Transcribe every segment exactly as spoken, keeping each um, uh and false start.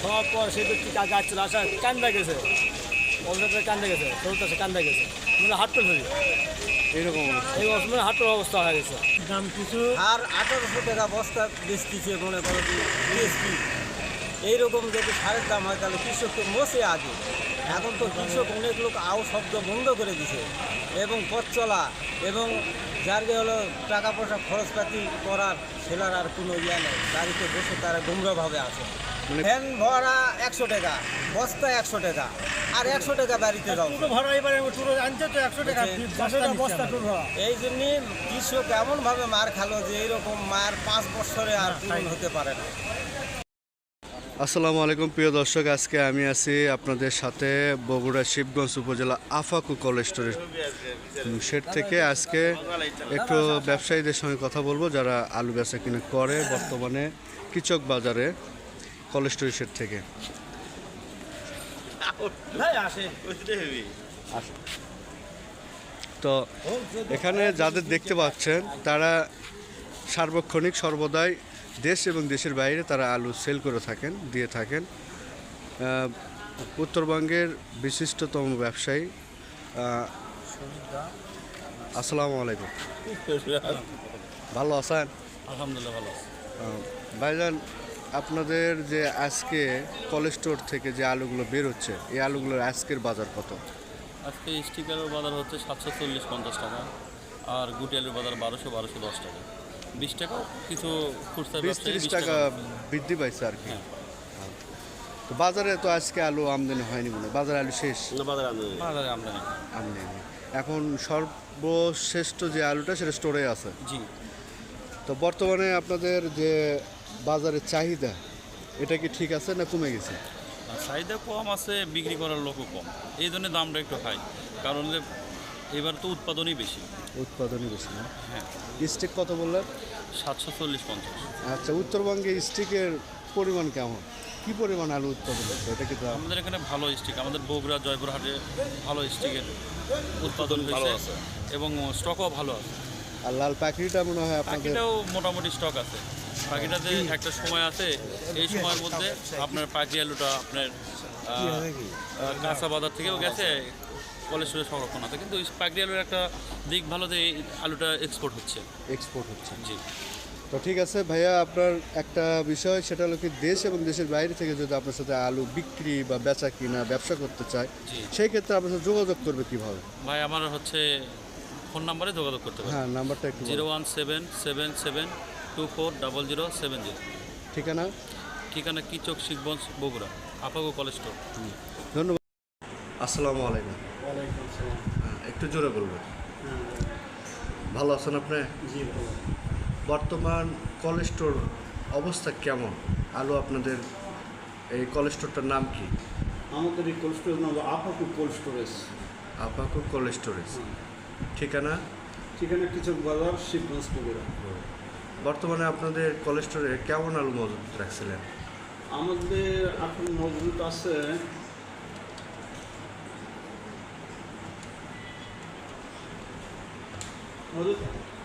হওয়ার পর সেই ব্যক্তি গাছ চলে আসা কান্দা গেছে, অবস্থাটা কান্দা গেছে, শরীরটা সে কান্দা গেছে, মানে হাঁটতে ধরি এইরকম অবস্থা। এই অবস্থা মানে হাঁটার অবস্থা হয়ে গেছে। দাম কিছু আর আঠারোশো টাকা বস্তা বেচতেছে মনে করো যে বিএসপি। এইরকম যদি সারের দাম হয় তাহলে কৃষক তো মসে আগে। এখন তো কৃষক অনেক লোক আও শব্দ বন্ধ করে দিছে, এবং পথ চলা এবং যার গে হলো টাকা পয়সা খরচপাতি করার সেলার আর কোনো ইয়ে নেই। গাড়িতে বসে তারা গুমরাভাবে আছে। মানে- ফ্যান ভরা একশো টাকা, বস্তা একশো টাকা, আর একশো টাকা বাড়িতে দাও। টুটো ভাড়া এবারে টুটো আনছে তো একশো টাকা বুঝছেন? বস্তা বস্তা বস্তা টুর ভাড়া। এই জন্যে কৃষক এমনভাবে মার খালো যে এইরকম মার পাঁচ বছরে আর পূরণ হতে পারে না। আসসালামু আলাইকুম প্রিয় দর্শক, আজকে আমি আছি আপনাদের সাথে বগুড়া শিবগঞ্জ উপজেলা আফাকু কলেজ স্টোরের শেড থেকে। আজকে একটু ব্যবসায়ীদের সঙ্গে কথা বলবো যারা আলু বেচা কিনে করে বর্তমানে কৃষক বাজারে কলেজ স্টোরের শেড থেকে। তো এখানে যাদের দেখতে পাচ্ছেন তারা সার্বক্ষণিক সর্বদাই দেশ এবং দেশের বাইরে তারা আলু সেল করে থাকেন, দিয়ে থাকেন। আহ, উত্তরবঙ্গের বিশিষ্টতম ব্যবসায়ী। আহ, আসসালামু আলাইকুম, ভালো আছেন? আলহামদুলিল্লাহ ভালো আছে। আহ, ভাইজান, আপনাদের যে আজকে কলেজ স্টোর থেকে যে আলুগুলো বের হচ্ছে, এই আলুগুলোর আজকের বাজার কত? আজকে স্টিকারের বাজার হচ্ছে সাতশো চল্লিশ পঞ্চাশ টাকা, আর গুটি আলুর বাজার বারোশো বারোশো দশ টাকা, বিশ টাকা কিছু খুচরা বিশ ব্যবসায়ী তিরিশ বিশ টাকা বৃদ্ধি পাইছে আর কি। হ্যাঁ। তো বাজারে তো আজকে আলু আমদানি হয়নি মনে হয়, বাজারে আলু শেষ বাজারে আমদানি। আমদানি। এখন সর্বশ্রেষ্ঠ যে আলুটা সেটা স্টোরে আছে। জি, তো বর্তমানে আপনাদের যে বাজারের চাহিদা, এটা কি ঠিক আছে না কমে গেছে? আর চাহিদা কম আছে, বিক্রি করার লোকও কম, এই জন্য দামটা একটু হাই। কারণ যে এবার তো উৎপাদনই বেশি। উৎপাদনই বেশি না? হ্যাঁ, স্টিক কত বললেন? সাতশো চল্লিশ পঞ্চাশ। আচ্ছা, উত্তরবঙ্গে স্টিকের পরিমাণ কেমন, কি পরিমাণ আলু উৎপাদন হচ্ছে এটা কি? আমাদের এখানে ভালো স্টিক, আমাদের বগুড়া জয়পুরহাটে ভালো স্টিকের উৎপাদন হয়েছে এবং স্টকও ভালো আছে। আর লাল পাখিটা মনে হয় আপনাদের? পাখিটাও মোটামুটি স্টক আছে। পাখিটাতে একটা সময় আছে, এই সময়ের মধ্যে আপনার পাখি আলুটা আপনার আহ, আহ, কাঁচা বাজার থেকেও গেছে, কলেস্টোরে সংরক্ষণ আছে। কিন্তু পাখি আলুর একটা দিক ভালো যে এই আলুটা এক্সপোর্ট হচ্ছে। এক্সপোর্ট হচ্ছে। জি, তো ঠিক আছে ভাইয়া, আপনার একটা বিষয় সেটা হলো কি, দেশ এবং দেশের বাইরে থেকে যদি আপনার সাথে আলু বিক্রি বা বেচা কিনা ব্যবসা করতে চায়, জি। সেই ক্ষেত্রে আপনার সাথে যোগাযোগ করবে কিভাবে? ভাই আমার হচ্ছে ফোন নাম্বারে যোগাযোগ করতে পারেন, হ্যাঁ, নাম্বারটা একটু জিরো বলুন। One seven seven seven two four double zero seven zero. ঠিকানা? ঠিকানা কিচক শিবগঞ্জ বগুড়া আপাগো কলেজ স্টোর। ধন্যবাদ। আসসালামু আলাইকুম। হ্যাঁ, একটু জোরে বলবেন। ভালো আছেন আপনি? জি ভালো। বর্তমান কলেজ স্টোর অবস্থা কেমন? আলু আপনাদের এই কলেজ স্টোরটার নাম কি? আমাদের এই কোল্ড স্টোরেজ নাম হলো আপাকু কোল্ড স্টোরেজ। আপাকু কলেজ স্টোরেজ। ঠিকানা? ঠিকানা কৃষক বাজার, শিবগঞ্জ, বগুড়া। বর্তমানে আপনাদের কলেজ স্টোরে কেমন আলু মজুত রাখছিলেন? আমাদের এখন মজুদ আছে মজুদ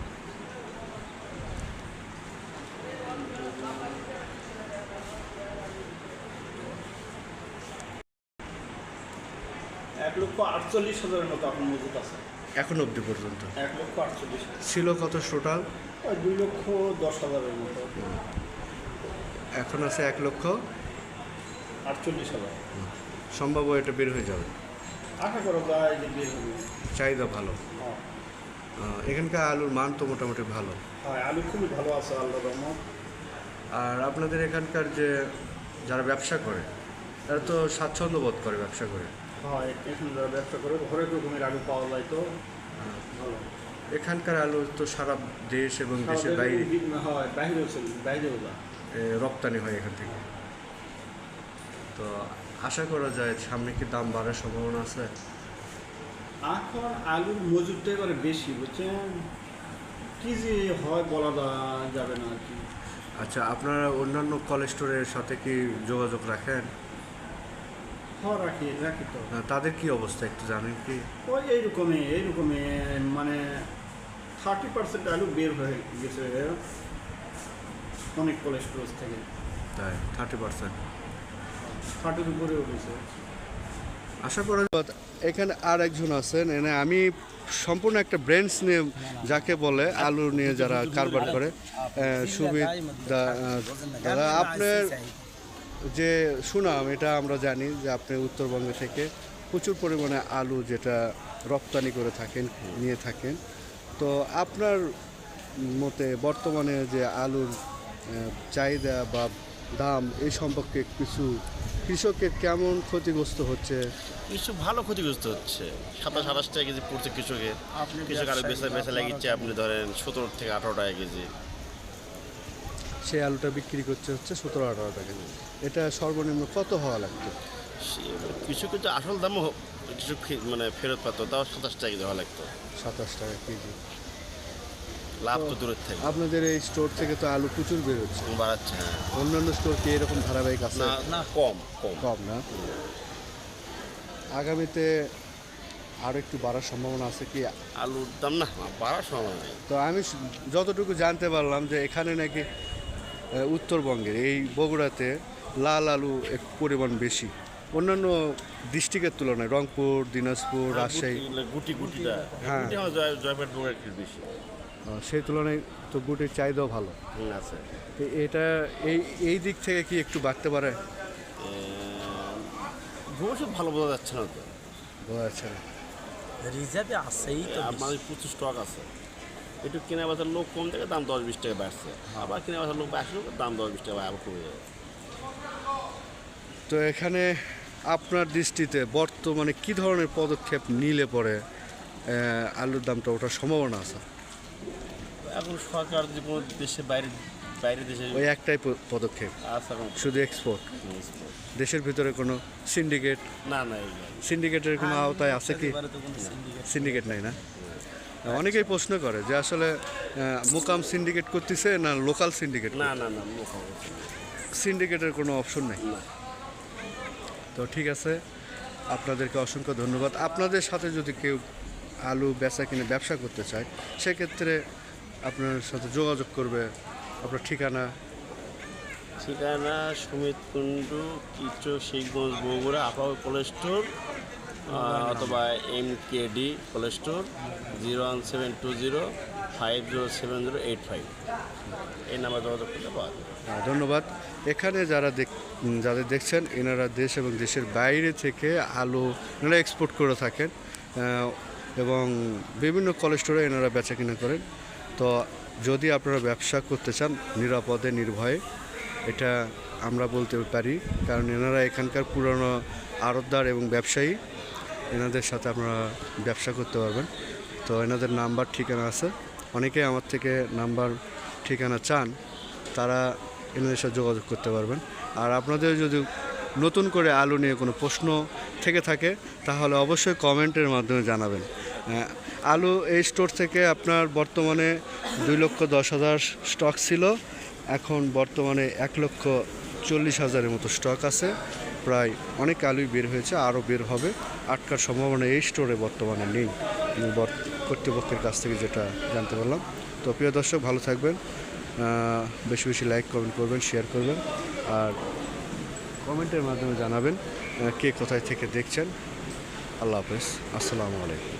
এক লক্ষ আটচল্লিশ হাজারের মতো এখন মজুদ আছে। এখন অবধি পর্যন্ত এক লক্ষ আটচল্লিশ হাজার। ছিল কত টোটাল? ওই দুই লক্ষ দশ হাজারের মতো, এখন আছে এক লক্ষ আটচল্লিশ হাজার। সম্ভব এটা বের হয়ে যাবে, আশা করা যায় যে বের হবে। চাহিদা ভালো। হ্যাঁ, আহ, এখানকার আলুর মান তো মোটামুটি ভালো। হ্যাঁ, আলু খুবই ভালো আছে আল্লাহ রহমত। আর আপনাদের এখানকার যে যারা ব্যবসা করে তারা তো স্বাচ্ছন্দ্য বোধ করে ব্যবসা করে। হয়, এখানে যারা ব্যবসা করে হরেক রকমের আলু পাওয়া যায়, তো ভালো। এখানকার আলু তো সারা দেশ এবং দেশের আমাদের বাইরে বিভিন্ন হয়, বাইরেও চলে, বাইরেও যায়। এ, রপ্তানি হয় এখান থেকে। তো আশা করা যায় সামনে কি দাম বাড়ার সম্ভাবনা আছে? এখন আলুর মজুরটা এবারে বেশি, বুঝছেন, কি যে হয় বলা যা- যাবে না আর কি। আচ্ছা, আপনারা অন্যান্য কলেজ স্টোরের সাথে কি যোগাযোগ রাখেন? হ্যাঁ, রাখি রাখি তো। আহ, তাদের কি অবস্থা একটু জানেন কি? ওই এইরকমই এইরকমই মানে থার্টি পার্সেন্ট আলু বের হয়ে গেছে অনেক কোল্ড স্টোরেজ থেকে। তাই থার্টি পার্সেন্ট। ষাটের উপরে উঠেছে। আশা করা যায় এখানে আর একজন আছেন, এনে আমি সম্পূর্ণ একটা ব্র্যান্ডস নিয়ে যাকে বলে আলু নিয়ে যারা কারবার করে সুবিধা দাদা, আপনার যে সুনাম এটা আমরা জানি যে আপনি উত্তরবঙ্গ থেকে প্রচুর পরিমাণে আলু যেটা রপ্তানি করে থাকেন, নিয়ে থাকেন। তো আপনার মতে বর্তমানে যে আলুর চাহিদা বা দাম এই সম্পর্কে কিছু কৃষকের কেমন ক্ষতিগ্রস্ত হচ্ছে? কিছু ভালো ক্ষতিগ্রস্ত হচ্ছে। সাতাশ আঠাশ টাকা কেজি পড়ছে কৃষকের। কৃষক আলু বেচা বেচা লাগিচ্ছে আপনি ধরেন সতেরো থেকে আঠারো টাকা কেজি। সেই আলুটা বিক্রি করছে হচ্ছে সতেরো আঠারো টাকা। এটা সর্বনিম্ন কত হওয়া লাগতো? কৃষকের যে আসল দামও কৃষক মানে ফেরত পাতো, তাও সাতাশ টাকা কেজি হওয়া লাগতো। সাতাশ টাকা কেজি লাভ তো দূরের থেকে। আপনাদের এই স্টোর থেকে তো আলু প্রচুর বেরোচ্ছে, বাড়াচ্ছে। হ্যাঁ, অন্যান্য স্টোর কি এরকম ধারাবাহিক আছে? না না, কম কম কম না। আগামীতে আরও একটু বাড়ার সম্ভাবনা আছে কি? আলুর দাম না বাড়ার সম্ভাবনা নেই। তো আমি যতটুকু জানতে পারলাম যে এখানে নাকি উত্তরবঙ্গের এই বগুড়াতে লাল আলু একটু পরিমাণ বেশি অন্যান্য ডিস্ট্রিক্টের তুলনায়। রংপুর, দিনাজপুর, রাজশাহী, গুটি গুটিটা হ্যাঁ। গুটি আমার জয় জয়পুর বগুড়া একটু বেশি। সেই তুলনায় তো গুটির চাহিদাও ভালো হুম, আছে। তো এটা এই এই দিক থেকে কি একটু বাড়তে পারে? ভবিষ্যৎ ভালো বোঝা যাচ্ছে না তো। বোঝা যাচ্ছে না। রিজার্ভে আসেই তো আপনার প্রচুর স্টক আছে। একটু কেনা বেচার লোক কম থেকে দাম দশ বিশ টাকা বাড়ছে, আবার কেনা বেচার লোক আসলে দাম দশ বিশ টাকা আবার কমে যাবে। তো এখানে আপনার দৃষ্টিতে বর্তমানে কি ধরনের পদক্ষেপ নিলে পরে আহ, আলুর দামটা ওঠার সম্ভাবনা আছে? এখন সরকার যে কোনো দেশে বাইরে বাইরে দেশে ওই একটাই প- পদক্ষেপ, আছে এখন শুধু এক্সপোর্ট। দেশের ভিতরে কোনো সিন্ডিকেট না না এইগুলো সিন্ডিকেটের কোনো আওতায় আছে কি? সিন্ডিকেট নাই না। অনেকেই প্রশ্ন করে যে আসলে আহ, মোকাম সিন্ডিকেট করতেছে না লোকাল সিন্ডিকেট? না না না মুখ অবস্থা সিন্ডিকেটের কোনো অপশন নেই। না। তো ঠিক আছে, আপনাদেরকে অসংখ্য ধন্যবাদ। আপনাদের সাথে যদি কেউ আলু বেচা কিনে ব্যবসা করতে চায় সেক্ষেত্রে আপনার সাথে যোগাযোগ করবে। আপনার ঠিকানা? ঠিকানা সুমিত কুণ্ডু, কিচো, শিখগঞ্জ, বগুড়া, আপাও কোল্ড স্টোর, অথবা M K D cold store, zero one seven two zero five zero seven zero eight five এই নাম্বার যোগাযোগ করতে পাওয়া যাবে। হ্যাঁ, ধন্যবাদ। এখানে যারা দেখ যাদের দেখছেন এনারা দেশ এবং দেশের বাইরে থেকে আলু এনারা এক্সপোর্ট করে থাকেন আহ, এবং বিভিন্ন কলেজ স্টোরে এনারা বেচা কিনা করেন। তো যদি আপনারা ব্যবসা করতে চান নিরাপদে নির্ভয়ে, এটা আমরা বলতে পারি, কারণ এনারা এখানকার পুরনো আড়তদার এবং ব্যবসায়ী। এনাদের সাথে আপনারা ব্যবসা করতে পারবেন। তো এনাদের নাম্বার ঠিকানা আছে, অনেকেই আমার থেকে নাম্বার ঠিকানা চান, তারা এনাদের সাথে যোগাযোগ করতে পারবেন। আর আপনাদের যদি নতুন করে আলু নিয়ে কোনো প্রশ্ন থেকে থাকে তাহলে অবশ্যই কমেন্টের মাধ্যমে জানাবেন। আহ, আলু এই স্টোর থেকে আপনার বর্তমানে দুই লক্ষ দশ হাজার স্টক ছিল, এখন বর্তমানে এক লক্ষ চল্লিশ হাজারের মতো স্টক আছে। প্রায় অনেক আলুই বের হয়েছে, আরও বের হবে। আটকার সম্ভাবনা এই স্টোরে বর্তমানে নেই, বর- কর্তৃপক্ষের কাছ থেকে যেটা জানতে পারলাম। তো প্রিয় দর্শক, ভালো থাকবেন, আহ, বেশি বেশি লাইক কমেন্ট করবেন, শেয়ার করবেন, আর কমেন্টের মাধ্যমে জানাবেন আহ, কে কোথায় থেকে দেখছেন। আল্লাহ হাফেজ, আসসালামু আলাইকুম।